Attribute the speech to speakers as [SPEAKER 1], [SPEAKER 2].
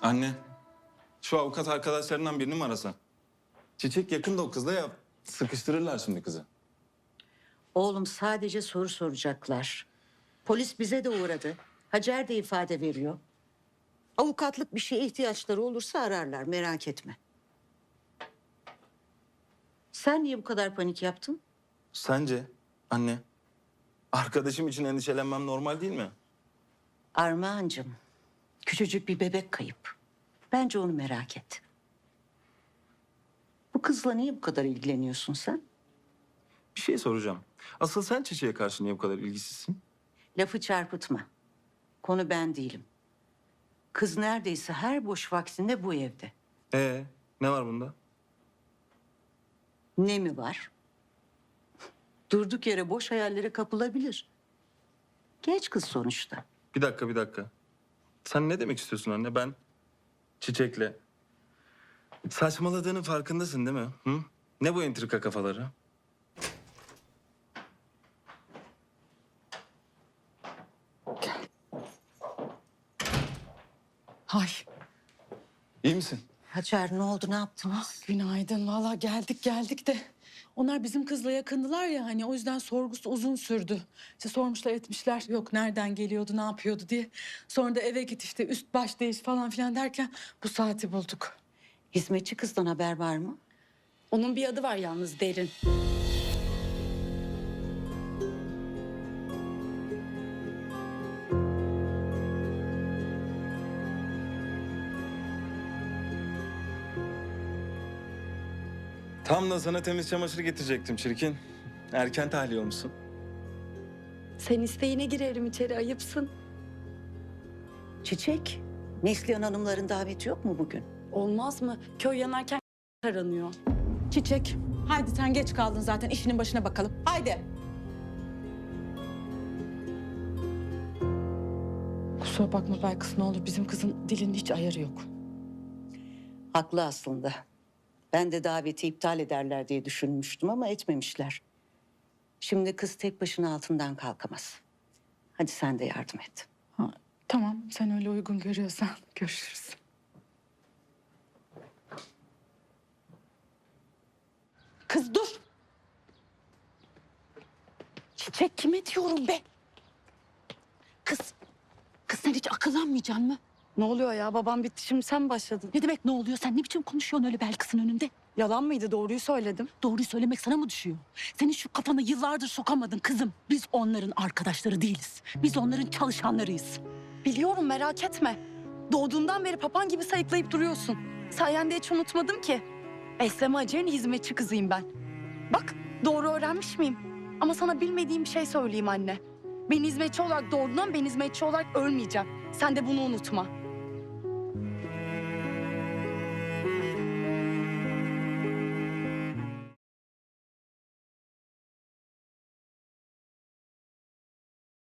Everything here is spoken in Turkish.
[SPEAKER 1] Anne, şu avukat arkadaşlarından birini mi arasan? Çiçek yakında o kızla ya. Sıkıştırırlar şimdi kızı.
[SPEAKER 2] Oğlum sadece soru soracaklar. Polis bize de uğradı. Hacer de ifade veriyor. Avukatlık bir şeye ihtiyaçları olursa ararlar, merak etme. Sen niye bu kadar panik yaptın?
[SPEAKER 1] Sence anne, arkadaşım için endişelenmem normal değil mi?
[SPEAKER 2] Armağancığım, küçücük bir bebek kayıp. Bence onu merak et. Bu kızla niye bu kadar ilgileniyorsun sen?
[SPEAKER 1] Bir şey soracağım. Asıl sen Çiçek'e karşı niye bu kadar ilgisizsin?
[SPEAKER 2] Lafı çarpıtma. Konu ben değilim. Kız neredeyse her boş vaktinde bu evde.
[SPEAKER 1] Ne var bunda?
[SPEAKER 2] Ne mi var? Durduk yere boş hayallere kapılabilir. Genç kız sonuçta.
[SPEAKER 1] Bir dakika. Sen ne demek istiyorsun anne? Ben Çiçek'le... Saçmaladığının farkındasın değil mi? Hı? Ne bu entrika kafaları?
[SPEAKER 3] Ay
[SPEAKER 1] İyi misin?
[SPEAKER 2] Hacer ne oldu, ne yaptınız?
[SPEAKER 3] günaydın. Valla geldik de. Onlar bizim kızla yakındılar ya hani o yüzden sorgusu uzun sürdü. İşte sormuşlar etmişler yok nereden geliyordu ne yapıyordu diye. Sonra da eve git işte üst baş değiş falan filan derken bu saati bulduk.
[SPEAKER 2] Hizmetçi kızdan haber var mı?
[SPEAKER 3] Onun bir adı var yalnız Derin.
[SPEAKER 1] Tam da sana temiz çamaşır getirecektim çirkin. Erken tahliye olmuşsun.
[SPEAKER 4] Sen isteğine girerim içeri, ayıpsın.
[SPEAKER 2] Çiçek, Neslihan Hanımların daveti yok mu bugün?
[SPEAKER 4] Olmaz mı? Köy yanarken aranıyor.
[SPEAKER 3] Çiçek haydi sen geç kaldın zaten işinin başına bakalım. Haydi. Kusura bakma Belkıs ne olur bizim kızın dilinin hiç ayarı yok.
[SPEAKER 2] Haklı aslında. Ben de daveti iptal ederler diye düşünmüştüm ama etmemişler. Şimdi kız tek başına altından kalkamaz. Hadi sen de yardım et.
[SPEAKER 3] Ha, tamam sen öyle uygun görüyorsan görüşürüz. Kız dur. Çiçek kime diyorum be? Kız sen hiç akıllanmayacaksın mı?
[SPEAKER 4] Ne oluyor ya? Babam bitti, şimdi sen başladın.
[SPEAKER 3] Ne demek ne oluyor? Sen ne biçim konuşuyorsun öyle Belkıs'ın önünde?
[SPEAKER 4] Yalan mıydı? Doğruyu söyledim.
[SPEAKER 3] Doğruyu söylemek sana mı düşüyor? Senin şu kafana yıllardır sokamadın kızım. Biz onların arkadaşları değiliz. Biz onların çalışanlarıyız.
[SPEAKER 4] Biliyorum, merak etme. Doğduğundan beri papan gibi sayıklayıp duruyorsun. Sayende hiç unutmadım ki. Eslem Hacer'in hizmetçi kızıyım ben. Bak, doğru öğrenmiş miyim? Ama sana bilmediğim bir şey söyleyeyim anne. Ben hizmetçi olarak doğduğundan ben hizmetçi olarak ölmeyeceğim. Sen de bunu unutma.